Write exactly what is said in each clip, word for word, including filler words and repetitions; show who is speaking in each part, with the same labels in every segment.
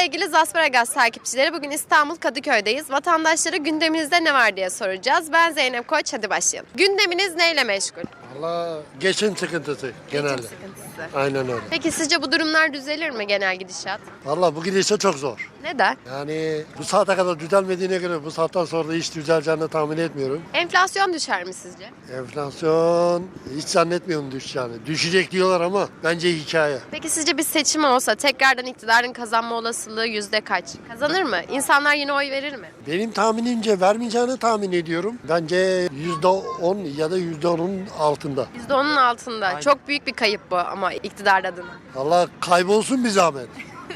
Speaker 1: Sevgili Zasparagaz takipçileri, bugün İstanbul Kadıköy'deyiz. Vatandaşlara gündeminizde ne var diye soracağız. Ben Zeynep Koç, hadi başlayalım. Gündeminiz neyle meşgul?
Speaker 2: Valla geçim sıkıntısı genelde.
Speaker 1: Geçim sıkıntısı.
Speaker 2: Aynen öyle.
Speaker 1: Peki sizce bu durumlar düzelir mi, genel gidişat?
Speaker 2: Valla bu gidişe çok zor.
Speaker 1: Neden?
Speaker 2: Yani bu saate kadar düzelmediğine göre bu saatten sonra da hiç düzeleceğini tahmin etmiyorum.
Speaker 1: Enflasyon düşer mi sizce?
Speaker 2: Enflasyon hiç zannetmiyorum düşeceğini. Düşecek diyorlar ama bence hikaye.
Speaker 1: Peki sizce bir seçim olsa tekrardan iktidarın kazanma olasılığı yüzde kaç? Kazanır mı? İnsanlar yine oy verir mi?
Speaker 2: Benim tahminimce vermeyeceğini tahmin ediyorum. Bence yüzde on ya da yüzde onun altında.
Speaker 1: yüzde onun altında.
Speaker 2: Aynen.
Speaker 1: Çok büyük bir kayıp bu ama iktidar adına.
Speaker 2: Valla kaybolsun bir zahmet.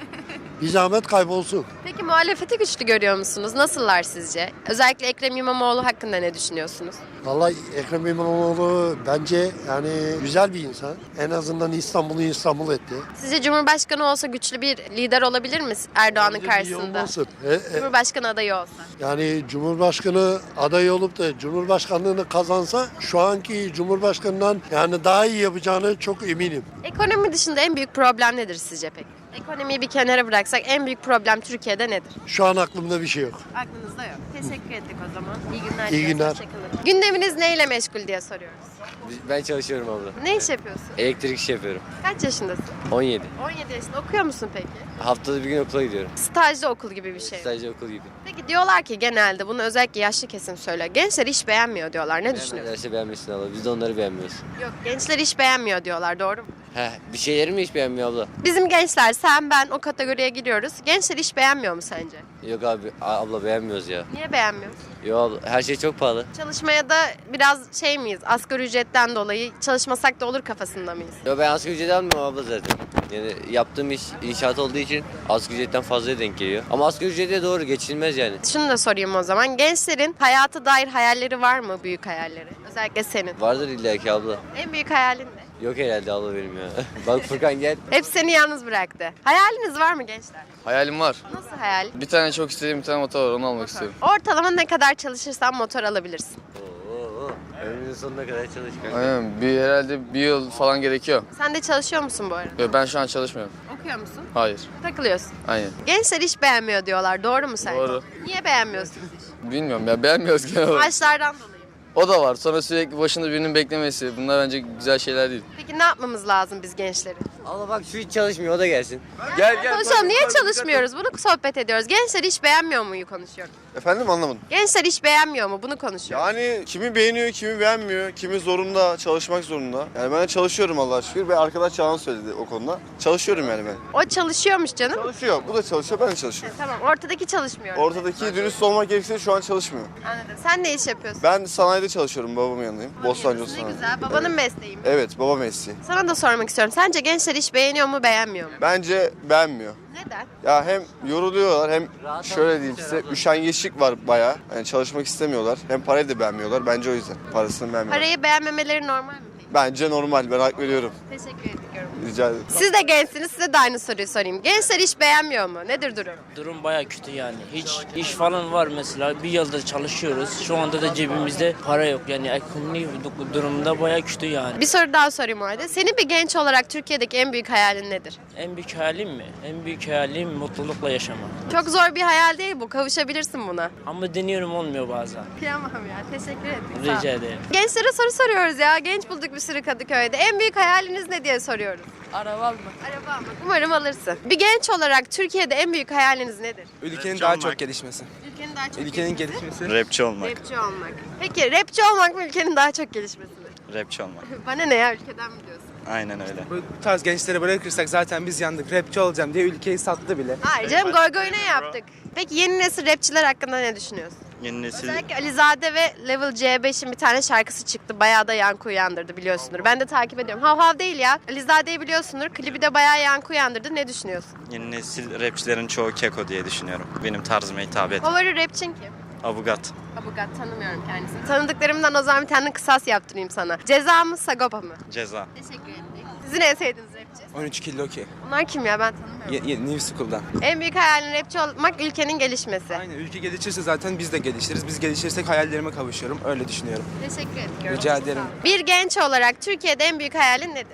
Speaker 2: Bir zahmet kaybolsun.
Speaker 1: Peki muhalefeti güçlü görüyor musunuz? Nasıllar sizce? Özellikle Ekrem İmamoğlu hakkında ne düşünüyorsunuz?
Speaker 2: Vallahi Ekrem İmamoğlu bence yani güzel bir insan. En azından İstanbul'u İstanbul etti.
Speaker 1: Sizce Cumhurbaşkanı olsa güçlü bir lider olabilir mi Erdoğan'ın
Speaker 2: Bence iyi
Speaker 1: karşısında?
Speaker 2: olmasın. E, e,
Speaker 1: Cumhurbaşkanı adayı olsa.
Speaker 2: yani Cumhurbaşkanı adayı olup da Cumhurbaşkanlığını kazansa şu anki Cumhurbaşkanından yani daha iyi yapacağını çok eminim.
Speaker 1: Ekonomi dışında en büyük problem nedir sizce peki? Ekonomiyi bir kenara bıraksak en büyük problem Türkiye'de nedir?
Speaker 2: Şu an aklımda bir şey yok.
Speaker 1: Aklınızda yok. Teşekkür ettik o zaman. İyi günler.
Speaker 2: İyi
Speaker 1: diliyoruz.
Speaker 2: günler.
Speaker 1: Hoşçakalın. Gündeminiz neyle meşgul diye soruyoruz.
Speaker 3: Ben çalışıyorum abla.
Speaker 1: Ne iş yapıyorsun?
Speaker 3: Elektrik işi yapıyorum.
Speaker 1: Kaç yaşındasın?
Speaker 3: on yedi.
Speaker 1: on yedi yaşında. Okuyor musun peki?
Speaker 3: Haftada bir gün okula gidiyorum.
Speaker 1: Stajlı okul gibi bir şey.
Speaker 3: Stajyer okul gibi.
Speaker 1: Peki diyorlar ki genelde, bunu özellikle yaşlı kesim söylüyor. Gençler iş beğenmiyor diyorlar. Ne düşünüyorsun?
Speaker 3: Beğenmezlerse beğenmesin abla. Biz de onları beğenmiyoruz.
Speaker 1: Yok, gençler iş beğenmiyor diyorlar, doğru mu?
Speaker 3: Heh, bir şeyleri mi hiç beğenmiyor abla?
Speaker 1: Bizim gençler, sen ben o kategoriye giriyoruz. Gençler iş beğenmiyor mu sence?
Speaker 3: Yok abi a- abla beğenmiyoruz ya.
Speaker 1: Niye beğenmiyoruz?
Speaker 3: Yok abla her şey çok pahalı.
Speaker 1: Çalışmaya da biraz şey miyiz? Asgari ücretten dolayı çalışmasak da olur kafasında mıyız?
Speaker 3: Yok ben asgari ücret almıyorum abla zaten. Yani yaptığım iş inşaat olduğu için asgari ücretten fazla denk geliyor. Ama asgari ücrete doğru geçilmez yani.
Speaker 1: Şunu da sorayım o zaman. Gençlerin hayata dair hayalleri var mı? Büyük hayalleri. Özellikle senin.
Speaker 3: Vardır illa ki abla.
Speaker 1: En büyük hayalin ne?
Speaker 3: Yok herhalde abla benim ya. Bak Furkan gel.
Speaker 1: Hep seni yalnız bıraktı. Hayaliniz var mı gençler?
Speaker 4: Hayalim var.
Speaker 1: Nasıl hayal?
Speaker 4: Bir tane çok istediğim bir tane motor var, onu almak istiyorum.
Speaker 1: Ortalama ne kadar çalışırsan motor alabilirsin.
Speaker 3: Oo, ömrünün sonuna kadar çalış kanka.
Speaker 4: Aynen. Bir, herhalde bir yıl falan gerekiyor.
Speaker 1: Sen de çalışıyor musun bu arada?
Speaker 4: Yok, ben şu an çalışmıyorum.
Speaker 1: Okuyor musun?
Speaker 4: Hayır.
Speaker 1: Takılıyorsun.
Speaker 4: Aynen.
Speaker 1: Gençler iş beğenmiyor diyorlar. Doğru mu sence?
Speaker 4: Doğru.
Speaker 1: Niye beğenmiyorsunuz iş?
Speaker 4: Bilmiyorum ya, beğenmiyoruz genel olarak.
Speaker 1: Maaşlardan dolayı mı?
Speaker 4: O da var. Sonra sürekli başında birinin beklemesi. Bunlar bence güzel şeyler değil.
Speaker 1: Peki ne yapmamız lazım biz gençlerin?
Speaker 3: Abla bak şu hiç çalışmıyor o da gelsin.
Speaker 4: Gel gel.
Speaker 1: Konuşalım. Niye çalışmıyoruz? Bunu sohbet ediyoruz. Gençler iş beğenmiyor muyu konuşuyoruz.
Speaker 5: Efendim anlamadım.
Speaker 1: Gençler iş beğenmiyor mu? Bunu konuşuyoruz.
Speaker 5: Yani kimi beğeniyor, kimi beğenmiyor, kimi zorunda, çalışmak zorunda. Yani ben de çalışıyorum Allah'a şükür ve arkadaş Çağan söyledi o konuda. Çalışıyorum yani ben.
Speaker 1: O çalışıyormuş canım.
Speaker 5: Çalışıyor, bu da çalışıyor, ben de çalışıyorum.
Speaker 1: Tamam, ortadaki çalışmıyor.
Speaker 5: Ortadaki dürüst olmak gerekirse şu an çalışmıyor.
Speaker 1: Anladım. Sen ne iş yapıyorsun?
Speaker 5: Ben sanayide çalışıyorum, babamın yanındayım. Bostancı
Speaker 1: Ne
Speaker 5: sanayi.
Speaker 1: güzel. Babanın mesleği mi?
Speaker 5: Evet, baba mesleği.
Speaker 1: Sana da sormak istiyorum. Sence gençler iş beğeniyor mu, beğenmiyor mu?
Speaker 5: Bence beğenmiyor.
Speaker 1: Neden?
Speaker 5: Ya hem yoruluyorlar hem şöyle diyeyim size üşengeçlik var bayağı. Yani çalışmak istemiyorlar. Hem parayı da beğenmiyorlar. Bence o yüzden. Parasını beğenmiyorlar.
Speaker 1: Parayı beğenmemeleri normal mi peki?
Speaker 5: Bence normal. Ben hak veriyorum.
Speaker 1: Teşekkür ediyorum.
Speaker 5: Rica ederim.
Speaker 1: Siz de gençsiniz. Size de aynı soruyu sorayım. Gençler iş beğenmiyor mu? Nedir durum?
Speaker 6: Durum baya kötü yani. Hiç iş falan var mesela. Bir yıldır çalışıyoruz. Şu anda da cebimizde para yok. Yani ekonomi durumda baya kötü yani.
Speaker 1: Bir soru daha sorayım o halde. Senin bir genç olarak Türkiye'deki en büyük hayalin nedir?
Speaker 6: En büyük hayalim mi? En büyük hayalim mutlulukla yaşamak.
Speaker 1: Çok zor bir hayal değil bu. Kavuşabilirsin buna.
Speaker 6: Ama deniyorum olmuyor bazen.
Speaker 1: Kıyamam ya. Teşekkür ederim. Sağ ol.
Speaker 6: Rica ederim.
Speaker 1: Gençlere soru soruyoruz ya. Genç bulduk bir sürü Kadıköy'de. En büyük hayaliniz ne diye soruyoruz.
Speaker 6: Araba mı?
Speaker 1: Araba almak. Umarım alırsın. Bir genç olarak Türkiye'de en büyük hayaliniz nedir?
Speaker 7: Ülkenin daha çok gelişmesi.
Speaker 1: Ülkenin daha çok
Speaker 7: Ülkenin
Speaker 1: gelişmesi.
Speaker 7: gelişmesi.
Speaker 8: Rapçi olmak.
Speaker 1: Rapçi olmak. Peki rapçi olmak mı ülkenin daha çok gelişmesi mi?
Speaker 8: Rapçi olmak.
Speaker 1: Bana ne ya, ülkeden mi diyorsun?
Speaker 8: Aynen öyle.
Speaker 7: Bu tarz gençleri bırakırsak zaten biz yandık. Rapçi olacağım diye ülkeyi sattı bile.
Speaker 1: Hayır canım, goy goy ne yaptık? Peki yeni nesil rapçiler hakkında ne düşünüyorsun?
Speaker 8: Yeni nesil
Speaker 1: Özellikle Alizade ve Level C beşin bir tane şarkısı çıktı. Bayağı da yankı uyandırdı, biliyorsundur. Ben de takip ediyorum. Hav hav değil ya. Alizade'yi biliyorsundur. Klibi de bayağı yankı uyandırdı. Ne düşünüyorsun?
Speaker 8: yeni nesil rapçilerin çoğu keko diye düşünüyorum. Benim tarzıma hitap et.
Speaker 1: Favori rapçin kim?
Speaker 8: Avugat.
Speaker 1: Abugat, tanımıyorum kendisini. Tanıdıklarımdan o zaman bir tane kısas yaptırayım sana. Ceza mı, Sagopa mı?
Speaker 8: Ceza.
Speaker 1: Teşekkür ederim. Sizin en sevdiğiniz rapçi?
Speaker 7: on üç kilo ki.
Speaker 1: Bunlar kim ya, ben tanımıyorum.
Speaker 7: Ye, ye, New School'dan.
Speaker 1: En büyük hayalin rapçi olmak, ülkenin gelişmesi.
Speaker 7: Aynen, ülke gelişirse zaten biz de gelişiriz. Biz gelişirsek hayallerime kavuşuyorum. Öyle düşünüyorum.
Speaker 1: Teşekkür ediyorum.
Speaker 7: Rica ederim.
Speaker 1: Bir genç olarak Türkiye'de en büyük hayalin nedir?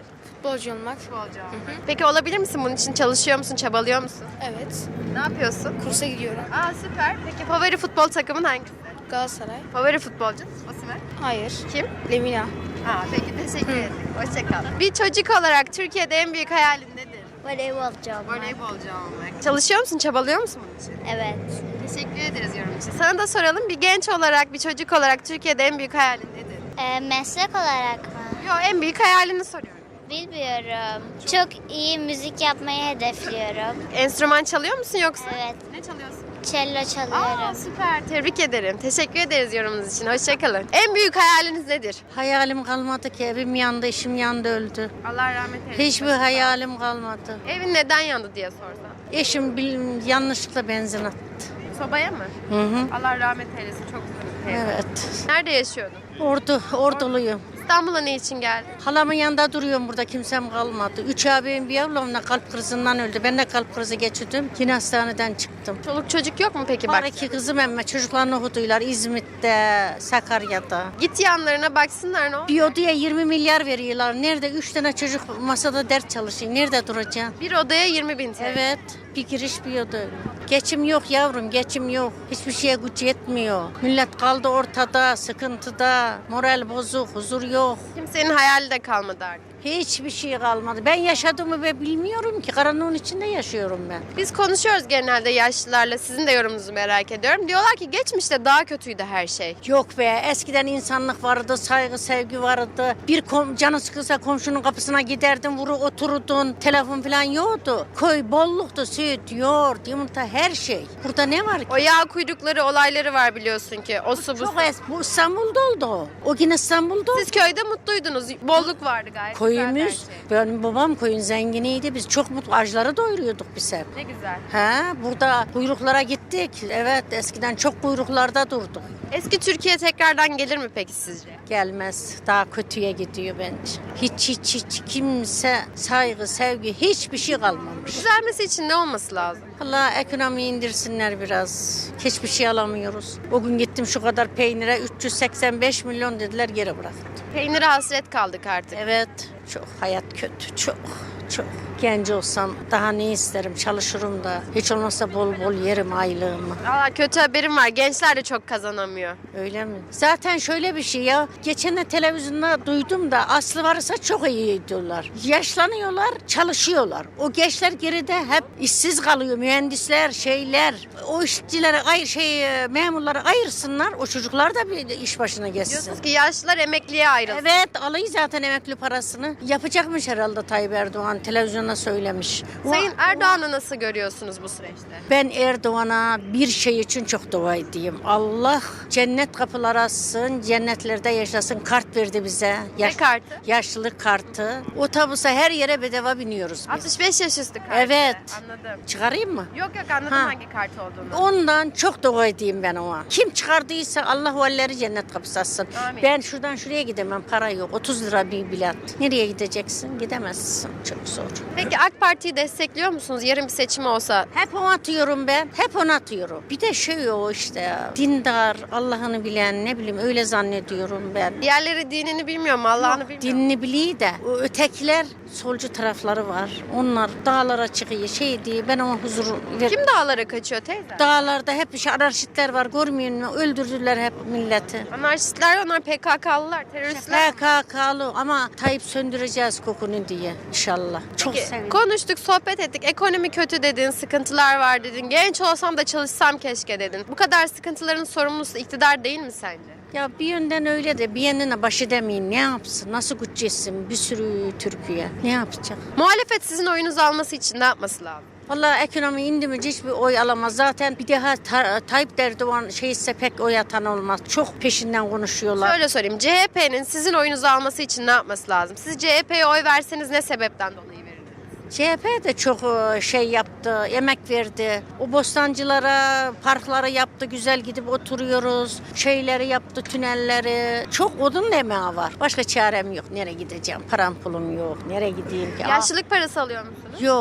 Speaker 9: Futbolcu olmak.
Speaker 1: Futbolcu olmak. Peki olabilir misin? Bunun için çalışıyor musun? Çabalıyor musun?
Speaker 9: Evet.
Speaker 1: Ne yapıyorsun?
Speaker 9: Kursa gidiyorum.
Speaker 1: Aa süper. Peki favori futbol takımın hangisi?
Speaker 9: Galatasaray.
Speaker 1: Favori futbolcun? Osimhen.
Speaker 9: Hayır.
Speaker 1: Kim?
Speaker 9: Lemina.
Speaker 1: Aa peki teşekkür ederim. Hoşça kal. Bir çocuk olarak Türkiye'de en büyük hayalin nedir?
Speaker 10: Voleybolcu olmak.
Speaker 1: Voleybolcu olmak. Çalışıyor musun? Çabalıyor musun bunun için?
Speaker 10: Evet.
Speaker 1: Teşekkür ederiz yorum için. Sana da soralım. Bir genç olarak, bir çocuk olarak Türkiye'de en büyük hayalin nedir?
Speaker 10: Ee, meslek olarak mı?
Speaker 1: Yok en büyük hayalini soruyorum.
Speaker 10: Bilmiyorum. Çok iyi müzik yapmayı hedefliyorum.
Speaker 1: Enstrüman çalıyor musun yoksa?
Speaker 10: Evet.
Speaker 1: Ne çalıyorsun?
Speaker 10: Cello
Speaker 1: Aa
Speaker 10: çalıyorum.
Speaker 1: süper. Tebrik ederim. Teşekkür ederiz yorumunuz için. Hoşçakalın. En büyük hayaliniz nedir?
Speaker 11: Hayalim kalmadı ki. Evim yandı, işim yandı, öldü.
Speaker 1: Allah rahmet eylesin.
Speaker 11: Hiçbir hayalim kalmadı.
Speaker 1: Evin neden yandı diye sorsam.
Speaker 11: Eşim bil- yanlışlıkla benzin attı.
Speaker 1: Sobaya mı?
Speaker 11: Hı hı.
Speaker 1: Allah rahmet eylesin. Çok üzüldüm.
Speaker 11: Evet.
Speaker 1: Nerede yaşıyordun?
Speaker 11: Ordu, orduluyum.
Speaker 1: İstanbul'a ne için geldin?
Speaker 11: Halamın yanında duruyorum burada. Kimsem kalmadı. Üç abim bir ablamla kalp krizinden öldü. Ben de kalp krizi geçirdim. Yine hastaneden çıktım.
Speaker 1: Çoluk çocuk yok mu peki
Speaker 11: Var
Speaker 1: bak?
Speaker 11: iki kızım emme çocuklarını okutuylar İzmit'te, Sakarya'da.
Speaker 1: Git yanlarına baksınlar ne olur.
Speaker 11: Bir odaya yirmi milyar veriyorlar. Nerede üç tane çocuk masada ders çalışıyor. Nerede duracaksın?
Speaker 1: Bir odaya yirmi bin T L.
Speaker 11: Evet, bir giriş bir oda. Geçim yok yavrum, geçim yok. Hiçbir şeye güç yetmiyor. Millet kaldı ortada, sıkıntıda, moral bozuk, huzur yok.
Speaker 1: Kimsenin hayali de kalmadı artık.
Speaker 11: Hiçbir şey kalmadı. Ben yaşadığımı ben bilmiyorum ki. Karanlığın içinde yaşıyorum ben.
Speaker 1: Biz konuşuyoruz genelde yaşlılarla. Sizin de yorumunuzu merak ediyorum. Diyorlar ki geçmişte daha kötüydü her şey.
Speaker 11: Yok be, eskiden insanlık vardı, saygı, sevgi vardı. Bir kom canı sıkılsa komşunun kapısına giderdin, vuru otururdun. Telefon falan yoktu. Köy bolluktu, süt, yoğurt, yumurta, her şey. Burada ne var ki?
Speaker 1: O yağ kuyrukları olayları var biliyorsun ki. O su bu su.
Speaker 11: Çok es bu İstanbul'da oldu o. O yine İstanbul'da oldu.
Speaker 1: Siz köyde mutluydunuz. Bolluk vardı gayet. güzel her
Speaker 11: Köyümüz,
Speaker 1: şey.
Speaker 11: benim babam köyün zenginiydi. Biz çok mutlu, ağaçları doyuruyorduk biz hep.
Speaker 1: Ne güzel.
Speaker 11: He, burada kuyruklara gittik. Evet, eskiden çok kuyruklarda durduk.
Speaker 1: Eski Türkiye tekrardan gelir mi peki sizce?
Speaker 11: Gelmez, daha kötüye gidiyor bence. Hiç hiç hiç kimse saygı, sevgi, hiçbir şey kalmamış.
Speaker 1: Düzelmesi için ne olması lazım?
Speaker 11: Allah ekonomiyi indirsinler biraz. Hiçbir şey alamıyoruz. O gün gittim şu kadar peynire üç yüz seksen beş milyon dediler, geri bıraktım.
Speaker 1: Peynire hasret kaldık artık.
Speaker 11: Evet, çok hayat kötü, çok çok. Genç olsam daha ne isterim, çalışırım da. Hiç olmazsa bol bol yerim aylığımı.
Speaker 1: Valla kötü haberim var. Gençler de çok kazanamıyor.
Speaker 11: Öyle mi? Zaten şöyle bir şey ya. Geçen de televizyonda duydum da aslı varsa çok iyi diyorlar. Yaşlanıyorlar, çalışıyorlar. O gençler geride hep işsiz kalıyor. Mühendisler, şeyler. O işçileri, ayır, şey, memurları ayırsınlar. O çocuklar da bir iş başına geçsin.
Speaker 1: Diyorsunuz ki yaşlılar emekliye ayrılsın.
Speaker 11: Evet, alıyor zaten emekli parasını. Yapacakmış herhalde Tayyip Erdoğan. Televizyonda söylemiş.
Speaker 1: Sayın
Speaker 11: O-
Speaker 1: Erdoğan'ı nasıl görüyorsunuz bu süreçte?
Speaker 11: Ben Erdoğan'a bir şey için çok dua edeyim. Allah cennet kapıları açsın, cennetlerde yaşasın. Kart verdi bize.
Speaker 1: Ne kartı?
Speaker 11: Yaşlılık kartı. Otobüse her yere bedava biniyoruz biz.
Speaker 1: altmış beş yaş üstü kartı.
Speaker 11: Evet.
Speaker 1: Anladım.
Speaker 11: Çıkarayım mı?
Speaker 1: Yok yok anladım
Speaker 11: Ha.
Speaker 1: hangi kart olduğunu.
Speaker 11: Ondan çok dua edeyim ben ona. Kim çıkardıysa Allah o elleri cennet kapısı açsın.
Speaker 1: Amin.
Speaker 11: Ben şuradan şuraya gidemem, para yok. otuz lira bir bilet. Nereye gideceksin? Gidemezsin. Çok zor.
Speaker 1: Peki AK Parti'yi destekliyor musunuz? Yarın bir seçim olsa.
Speaker 11: Hep onu atıyorum ben. Hep onu atıyorum. Bir de şey o işte ya. Dindar, Allah'ını bilen, ne bileyim öyle zannediyorum ben.
Speaker 1: Diğerleri dinini bilmiyor mu? Allah'ını bilmiyor mu?
Speaker 11: Dinini biliyor da o ötekiler solcu tarafları var. Onlar dağlara çıkıyor şey diye ben ona huzur ver.
Speaker 1: Kim dağlara kaçıyor teyze?
Speaker 11: Dağlarda hep şey, anarşistler var görmüyor musun? Öldürdüler hep milleti.
Speaker 1: Anarşistler onlar P K K'lılar, teröristler.
Speaker 11: P K K'lı ama Tayyip söndüreceğiz kokunu diye inşallah. Çok
Speaker 1: Peki,
Speaker 11: sevindim.
Speaker 1: konuştuk, sohbet ettik. Ekonomi kötü dedin, sıkıntılar var dedin. Genç olsam da çalışsam keşke dedin. Bu kadar sıkıntıların sorumlusu iktidar değil mi sence?
Speaker 11: Ya bir yönden öyle de bir yanına baş edemeyin. Ne yapsın? Nasıl güç etsin? Bir sürü Türkiye. Ne yapacak?
Speaker 1: Muhalefet sizin oyunuzu alması için ne yapması lazım?
Speaker 11: Vallahi ekonomi indi mi hiçbir oy alamaz. Zaten bir daha ta, Tayyip Erdoğan şeyse pek oy atan olmaz. Çok peşinden konuşuyorlar.
Speaker 1: Şöyle sorayım. C H P'nin sizin oyunuzu alması için ne yapması lazım? Siz C H P'ye oy verseniz ne sebepten dolayı verirdiniz?
Speaker 11: C H P de çok e, şey yaptı, emek verdi. O bostancılara, parkları yaptı, güzel gidip oturuyoruz. Şeyleri yaptı, tünelleri. Çok odun emeği var. Başka çarem yok. Nereye gideceğim? Param pulum yok. Nereye gideyim ki?
Speaker 1: Yaşlılık parası alıyor musunuz?
Speaker 11: Yok.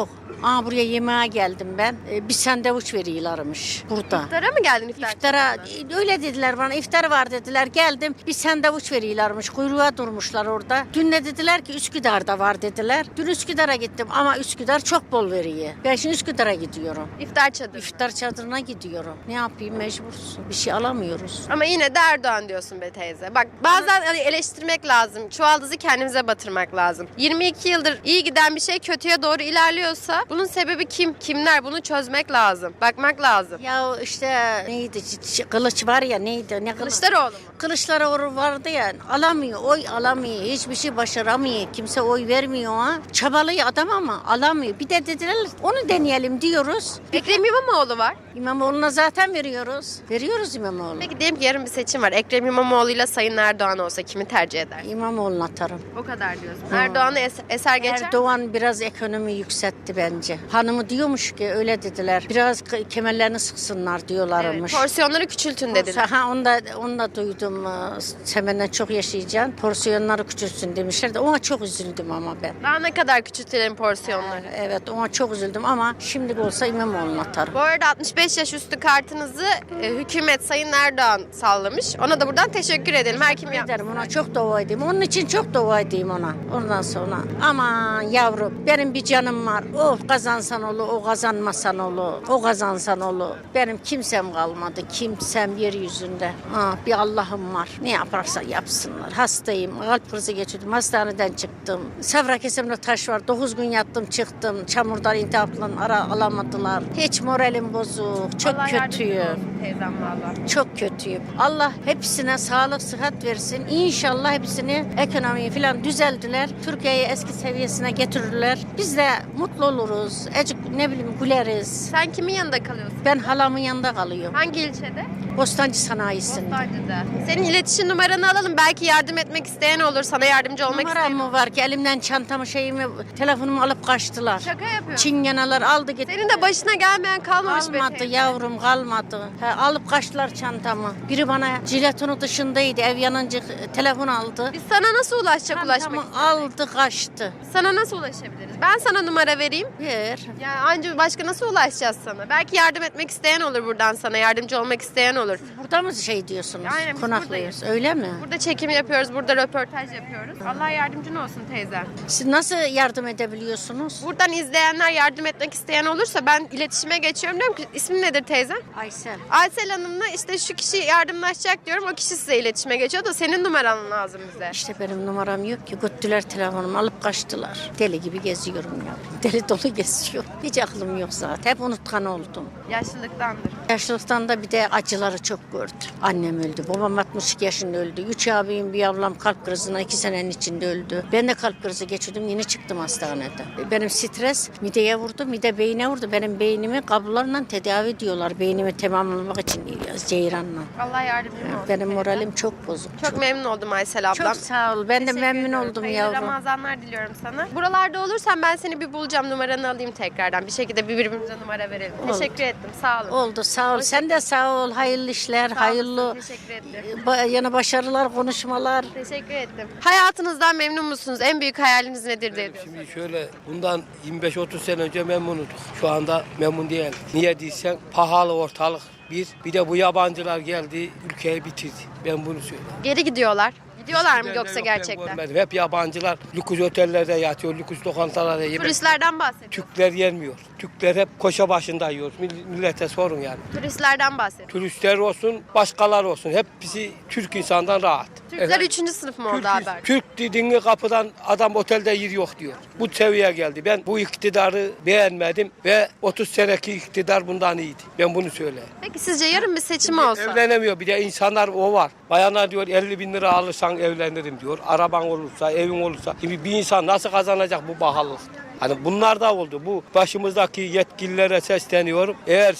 Speaker 11: Aa buraya yemeğe geldim ben. Ee, bir sandviç veriyorlarmış burada.
Speaker 1: İftara mı geldin iftar?
Speaker 11: İftara öyle dediler bana, iftar var dediler, geldim bir sandviç veriyorlarmış, kuyruğa durmuşlar orada. Dün de dediler ki Üsküdar'da var dediler. Dün Üsküdar'a gittim ama Üsküdar çok bol veriyor. Ben şimdi Üsküdar'a gidiyorum.
Speaker 1: İftar çadırı.
Speaker 11: İftar çadırına gidiyorum. Ne yapayım, mecbursun. Bir şey alamıyoruz.
Speaker 1: Ama yine de Erdoğan diyorsun be teyze. Bak bazen hani eleştirmek lazım. Çuvaldızı kendimize batırmak lazım. yirmi iki yıldır iyi giden bir şey kötüye doğru ilerliyorsa bunun sebebi kim? Kimler? Bunu çözmek lazım. Bakmak lazım.
Speaker 11: Ya işte neydi, Ç- kılıç var ya, neydi, ne kılıç?
Speaker 1: Kılıçdaroğlu mu?
Speaker 11: Kılıçdaroğlu vardı ya, alamıyor, oy alamıyor, hiçbir şey başaramıyor, kimse oy vermiyor ha. Çabalıyor adam ama alamıyor. Bir de dediler onu deneyelim diyoruz.
Speaker 1: Ekrem İmamoğlu var.
Speaker 11: İmamoğlu'na zaten veriyoruz. Veriyoruz İmamoğlu'na.
Speaker 1: Peki diyelim ki yarın bir seçim var. Ekrem İmamoğlu ile Sayın Erdoğan olsa kimi tercih eder?
Speaker 11: İmamoğlu'na atarım.
Speaker 1: O kadar diyorsun. Erdoğan'ı es- eser geçer mi?
Speaker 11: Erdoğan biraz ekonomi yükseltti bence. Hanımı diyormuş ki, öyle dediler. Biraz k- kemerlerini sıksınlar
Speaker 1: Evet,
Speaker 11: diyorlarmış.
Speaker 1: porsiyonları küçültün dediler.
Speaker 11: Ha, onu da, onu da duydum. Ee, Semenden çok yaşayacaksın. Porsiyonları küçülsün demişler de ona çok üzüldüm ama ben.
Speaker 1: Daha ne kadar küçültelim porsiyonları?
Speaker 11: Evet, ona çok üzüldüm ama şimdi olsa İmamoğlu'na atarım.
Speaker 1: Bu arada altmış beş yaş üstü kartınızı e, hükümet Sayın Erdoğan sallamış. Ona da buradan teşekkür edelim. Her kim yaptı.
Speaker 11: Ederim, ona çok dua edeyim. Onun için çok dua edeyim ona. Ondan sonra aman yavrum, benim bir canım var. O kazansan olur, o kazanmasan olur. O kazansan olur. Benim kimsem kalmadı. Kimsem yeryüzünde. Ha, bir Allah'ım var. Ne yaparsa yapsınlar. Hastayım. Kalp krizi geçirdim. Hastaneden çıktım. Safra kesimde taş var. dokuz gün yattım çıktım. Çamurdan intihapla ara alamadılar. Hiç moralim bozuk. Çok
Speaker 1: Allah yardımcın
Speaker 11: kötüyüm.
Speaker 1: olsun teyzem valla.
Speaker 11: Çok kötüyüm. Allah hepsine sağlık, sıhhat versin. İnşallah hepsini, ekonomiyi falan düzeldiler. Türkiye'yi eski seviyesine getirirler. Biz de mutlu oluruz. Ecik ne bileyim güleriz.
Speaker 1: Sen kimin yanında kalıyorsun?
Speaker 11: Ben halamın yanında kalıyorum.
Speaker 1: Hangi ilçede?
Speaker 11: Bostancı sanayisinde.
Speaker 1: Bostancı'da. Senin iletişim numaranı alalım. Belki yardım etmek isteyen olur. Sana yardımcı olmak
Speaker 11: Numaram
Speaker 1: isteyen.
Speaker 11: mı var ki, elimden çantamı, şeyimi, telefonumu alıp kaçtılar.
Speaker 1: Şaka yapıyorum.
Speaker 11: Çingeneler aldı gitti.
Speaker 1: Senin de başına gelmeyen kalmamış be
Speaker 11: Kalmadı
Speaker 1: teyze.
Speaker 11: yavrum, kalmadı. Ha, alıp kaçtılar çantamı. Biri bana jiletonu dışındaydı, ev yanınca telefon aldı.
Speaker 1: Biz sana nasıl ulaşacak ulaşmak
Speaker 11: Çantamı
Speaker 1: isteyen?
Speaker 11: aldı kaçtı.
Speaker 1: Sana nasıl ulaşabiliriz? Ben sana numara vereyim.
Speaker 11: Ver.
Speaker 1: Ya anca başka nasıl ulaşacağız sana? Belki yardım etmek isteyen olur buradan sana. Yardımcı olmak isteyen olur.
Speaker 11: Burada mı şey diyorsunuz?
Speaker 1: Aynen, biz
Speaker 11: Konaklıyoruz. Öyle mi?
Speaker 1: Burada çekim yapıyoruz. Burada röportaj yapıyoruz. Allah yardımcın olsun teyze.
Speaker 11: Siz nasıl yardım edebiliyorsunuz?
Speaker 1: Buradan izleyenler yardım etmek isteyen olursa ben iletişime geçiyorum. Diyorum ki ismin nedir teyze?
Speaker 11: Aysel.
Speaker 1: Aysel Hanım'la işte şu kişi yardımlaşacak diyorum. O kişi size iletişime geçiyor da senin numaran lazım bize.
Speaker 11: İşte benim numaram yok ki. Götüler telefonumu, alıp kaçtılar. Deli gibi geziyorum ya. Deli dolu geziyorum. Hiç aklım yok zaten. Hep unutkan oldum.
Speaker 1: Yaşlılıktandır.
Speaker 11: Yaşlılıktan da bir de acıları çok gördüm. Annem öldü. Babam altmış iki yaşında öldü. Üç abim, bir ablam kalp krizinden iki senenin içinde öldü. Ben de kalp krizi geçirdim. Yeni çıktım hastaneden. Benim stres mideye vurdu. Mide beyine vurdu. Benim beynimi kablolarla tedavi ediyorlar. Beynimi tamamlamak için Ceyran'la.
Speaker 1: Allah yardımcın olsun.
Speaker 11: Benim
Speaker 1: teyze.
Speaker 11: moralim çok bozuk.
Speaker 1: Çok memnun oldum Aysel ablam.
Speaker 11: Çok sağ ol. Ben de
Speaker 1: Teşekkür
Speaker 11: memnun
Speaker 1: ediyorum.
Speaker 11: oldum
Speaker 1: Hayırlı
Speaker 11: yavrum.
Speaker 1: Ramazanlar diliyorum sana. Buralarda olursan ben seni bir bulacağım. Numaranı alayım tekrardan. Bir şekilde birbirimize numara verelim.
Speaker 11: Oldu.
Speaker 1: Teşekkür ettim. Sağ olun.
Speaker 11: Oldu, sağ ol. Sen de sağ ol. Hayırlı işler,
Speaker 1: Sağ
Speaker 11: hayırlı
Speaker 1: olasın, teşekkür ettim.
Speaker 11: ba- yana başarılar, konuşmalar.
Speaker 1: Teşekkür ettim. Hayatınızdan memnun musunuz? En büyük hayaliniz nedir diye diyorsunuz.
Speaker 9: Şimdi şöyle bundan yirmi beş otuz sene önce memnunuduk. Şu anda memnun değil. Niye diysen pahalı ortalık bir. Bir de bu yabancılar geldi ülkeyi bitirdi. Ben bunu söyleyeyim.
Speaker 1: Geri gidiyorlar. Gidiyorlar mı
Speaker 9: Gidenler
Speaker 1: yoksa
Speaker 9: yok, ben
Speaker 1: gerçekten?
Speaker 9: görmedim. Hep yabancılar lüks otellerde yatıyor, lüks lokantalarda yemek.
Speaker 1: Turistlerden bahsediyorum.
Speaker 9: Türkler yenmiyor. Türkler hep koşa başında yiyor. Mill- Millete sorun yani.
Speaker 1: Turistlerden bahsediyorum.
Speaker 9: Turistler olsun, başkalar olsun. Hepsi Türk insandan rahat.
Speaker 1: Türkler
Speaker 9: Efendim?
Speaker 1: üçüncü sınıf mı oldu
Speaker 9: Türk,
Speaker 1: haber?
Speaker 9: Türk dediğini kapıdan adam otelde yer yok diyor. Bu seviyeye geldi. Ben bu iktidarı beğenmedim ve otuz seneki iktidar bundan iyiydi. Ben bunu söyleyeyim.
Speaker 1: Peki sizce yarın bir seçim olsa?
Speaker 9: Evlenemiyor. Bir de insanlar o var. Bayanlar diyor elli bin lira alırsan evlenirim diyor. Araban olursa, evin olursa. Şimdi bir insan nasıl kazanacak bu pahalılık? Hani bunlar da oldu. Bu başımızdaki yetkililere sesleniyorum. Eğer siz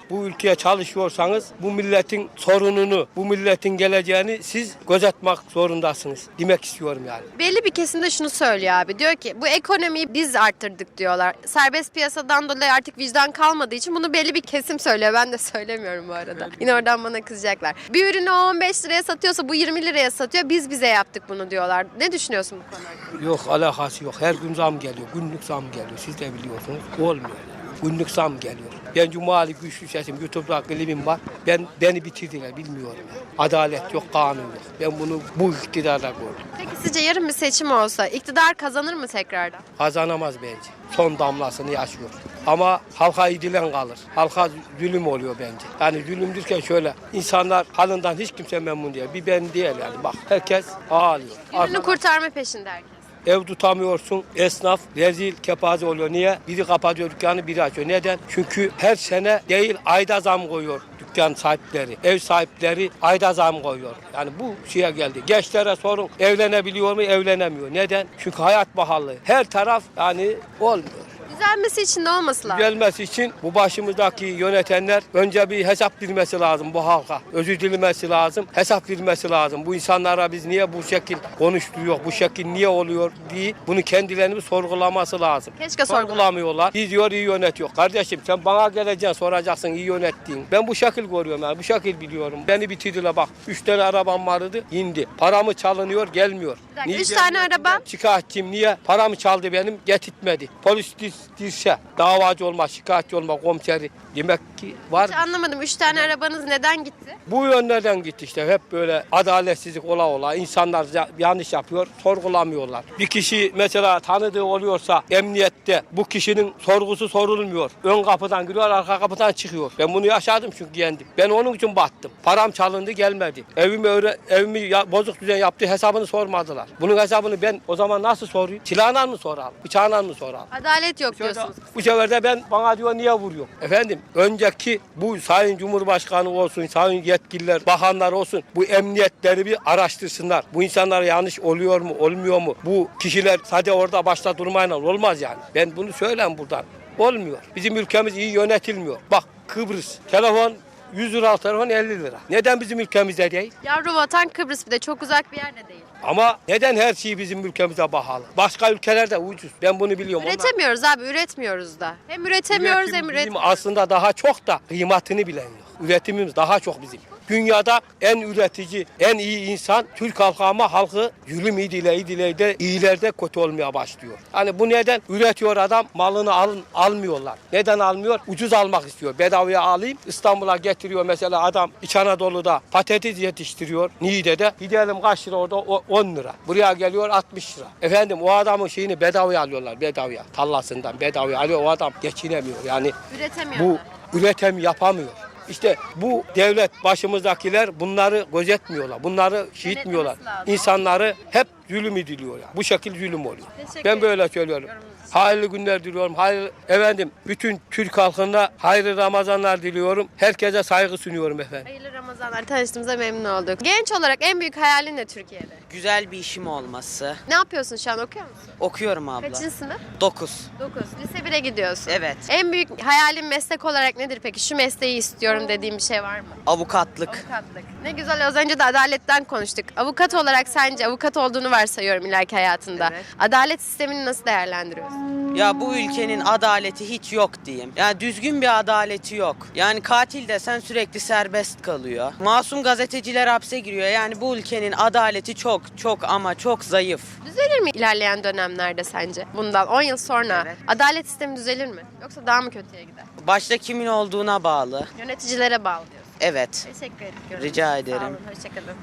Speaker 9: bu ülkeye çalışıyorsanız bu milletin sorununu, bu milletin geleceğini siz gözetmek zorundasınız demek istiyorum yani.
Speaker 1: Belli bir kesim de şunu söylüyor abi. Diyor ki bu ekonomiyi biz arttırdık diyorlar. Serbest piyasadan dolayı artık vicdan kalmadığı için bunu belli bir kesim söylüyor. Ben de söylemiyorum bu arada. Yine oradan bana kızacaklar. Bir ürünü o on beş liraya satıyorsa bu yirmi liraya satıyor. Biz bize yaptık bunu diyorlar. Ne düşünüyorsun bu konu hakkında?
Speaker 9: Yok, alakası yok. Her gün zam geliyor. Günlük zam geliyor. Siz de biliyorsunuz. Olmuyor. Günlük zam geliyor. Ben Cumali Güçlü Sesim, YouTube'da klibim var. Ben beni bitirdiler, bilmiyorum. Yani. Adalet yok, kanun yok. Ben bunu bu iktidarda gördüm.
Speaker 1: Peki sizce yarın bir seçim olsa iktidar kazanır mı tekrardan?
Speaker 9: Kazanamaz bence. Son damlasını yaşıyor. Ama halka idilen kalır. Halka zulüm oluyor bence. Yani zulüm derken şöyle, insanlar halından hiç kimse memnun değil. Bir ben değil yani. Bak herkes ağlıyor.
Speaker 1: Ürünü kurtarma peşinde herkes.
Speaker 9: Ev tutamıyorsun, esnaf rezil, kepaze oluyor. Niye? Biri kapatıyor dükkanı, biri açıyor. Neden? Çünkü her sene değil, ayda zam koyuyor dükkan sahipleri. Ev sahipleri ayda zam koyuyor. Yani bu şeye geldi. Gençlere sorun, evlenebiliyor mu? Evlenemiyor. Neden? Çünkü hayat pahalı. Her taraf yani olmuyor.
Speaker 1: Düzelmesi için de olması lazım.
Speaker 9: Gelmesi için bu başımızdaki yönetenler önce bir hesap vermesi lazım bu halka. Özür dilemesi lazım, hesap vermesi lazım. Bu insanlara biz niye bu şekil konuşturuyor, bu şekil niye oluyor diye bunu kendilerini bir sorgulaması lazım.
Speaker 1: Keşke sorgulamıyorlar.
Speaker 9: Sorgulamıyorlar. Biz diyor iyi yönetiyor. Kardeşim sen bana geleceksin, soracaksın iyi yönettiğin. Ben bu şekil görüyorum yani, bu şekil biliyorum. Beni bitirdiler bak. Üç tane arabam vardı, indi. Paramı çalınıyor, gelmiyor.
Speaker 1: Bir dakika,
Speaker 9: Niye
Speaker 1: üç tane
Speaker 9: gelmiyor?
Speaker 1: arabam?
Speaker 9: Şikayetçiyim, niye? Paramı çaldı benim, getirtmedi. Polis dirse, davacı olma, şikayetçi olma, komiseri demek ki var.
Speaker 1: Hiç anlamadım. Üç tane arabanız neden gitti?
Speaker 9: Bu yönlerden gitti işte. Hep böyle adaletsizlik ola ola. İnsanlar ya- yanlış yapıyor, sorgulamıyorlar. Bir kişi mesela tanıdığı oluyorsa emniyette bu kişinin sorgusu sorulmuyor. Ön kapıdan giriyor, arka kapıdan çıkıyor. Ben bunu yaşadım çünkü yendim. Ben onun için battım. Param çalındı, gelmedi. Evimi öyle, evimi ya- bozuk düzen yaptı, hesabını sormadılar. Bunun hesabını ben o zaman nasıl sorayım? Silahla mı soralım? Bıçağla mı soralım?
Speaker 1: Adalet yok diyorsunuz.
Speaker 9: Bu sefer de ben bana diyor niye vuruyor? Efendim önceki bu Sayın Cumhurbaşkanı olsun, sayın yetkililer, bakanlar olsun bu emniyetleri bir araştırsınlar. Bu insanlara yanlış oluyor mu, olmuyor mu? Bu kişiler sadece orada başta durmayla olmaz yani. Ben bunu söyleyeyim buradan. Olmuyor. Bizim ülkemiz iyi yönetilmiyor. Bak Kıbrıs, telefon yüz lira, telefon elli lira. Neden bizim ülkemizde değil?
Speaker 1: Yavru vatan Kıbrıs, bir de çok uzak bir yerde değil.
Speaker 9: Ama neden her şey bizim ülkemize pahalı? Başka ülkelerde ucuz. Ben bunu biliyorum. Onlar-
Speaker 1: Üretemiyoruz abi, üretmiyoruz da. Hem üretemiyoruz
Speaker 9: Üretim
Speaker 1: hem
Speaker 9: bizim
Speaker 1: üretmiyoruz.
Speaker 9: aslında daha çok da kıymetini bilen yok. Üretimimiz daha çok bizim. Dünyada en üretici, en iyi insan Türk halkı ama halkı zulüm idile idile de iyilerde kötü olmaya başlıyor. Hani bu neden? Üretiyor adam, malını alın, almıyorlar. Neden almıyor? Ucuz almak istiyor. Bedavaya alayım. İstanbul'a getiriyor mesela adam İç Anadolu'da patates yetiştiriyor. Niğde'de. Gidelim kaç lira orada? O- on lira. Buraya geliyor altmış lira. Efendim o adamın şeyini bedavaya alıyorlar. Bedavaya. Tallasından bedavaya alıyor. O adam geçinemiyor. Yani
Speaker 1: Üretemiyorlar.
Speaker 9: bu üretim yapamıyor. İşte bu devlet başımızdakiler bunları gözetmiyorlar. Bunları şiitmiyorlar.
Speaker 1: Denetlemesi lazım.
Speaker 9: İnsanları hep zulüm ediliyor. Yani. Bu şekil zulüm oluyor.
Speaker 1: Teşekkür
Speaker 9: Ben böyle
Speaker 1: ederim.
Speaker 9: söylüyorum.
Speaker 1: Yorumunuz için.
Speaker 9: Hayırlı günler diliyorum. Hayırlı, efendim bütün Türk halkına hayırlı Ramazanlar diliyorum. Herkese saygı sunuyorum efendim.
Speaker 1: Hayırlı Ramazanlar, tanıştığımıza memnun olduk. Genç olarak en büyük hayalin ne Türkiye'de?
Speaker 12: Güzel bir işim olması.
Speaker 1: Ne yapıyorsun şu an, okuyor musun?
Speaker 12: Okuyorum abla.
Speaker 1: Kaçıncı sınıf?
Speaker 12: dokuz.
Speaker 1: dokuz. Lise bire gidiyorsun.
Speaker 12: Evet.
Speaker 1: En büyük hayalin meslek olarak nedir peki? Şu mesleği istiyorum dediğim bir şey var mı?
Speaker 12: Avukatlık.
Speaker 1: Avukatlık. Ne güzel, az önce de adaletten konuştuk. Avukat olarak sence, avukat olduğunu varsayıyorum ileriki hayatında.
Speaker 12: Evet.
Speaker 1: Adalet sistemini nasıl değerlendiriyorsun?
Speaker 12: Ya bu ülkenin adaleti hiç yok diyeyim. Yani düzgün bir adaleti yok. Yani katil desen sürekli serbest kalıyor. Masum gazeteciler hapse giriyor. Yani bu ülkenin adaleti çok çok ama çok zayıf.
Speaker 1: Düzelir mi ilerleyen dönemlerde sence? Bundan on yıl sonra
Speaker 12: Evet.
Speaker 1: adalet sistemi düzelir mi? Yoksa daha mı kötüye gider?
Speaker 12: Başta kimin olduğuna bağlı.
Speaker 1: Yöneticilere bağlı diyorsun.
Speaker 12: Evet.
Speaker 1: Teşekkür ederim.
Speaker 12: Rica ederim.
Speaker 1: Sağ olun, hoşçakalın.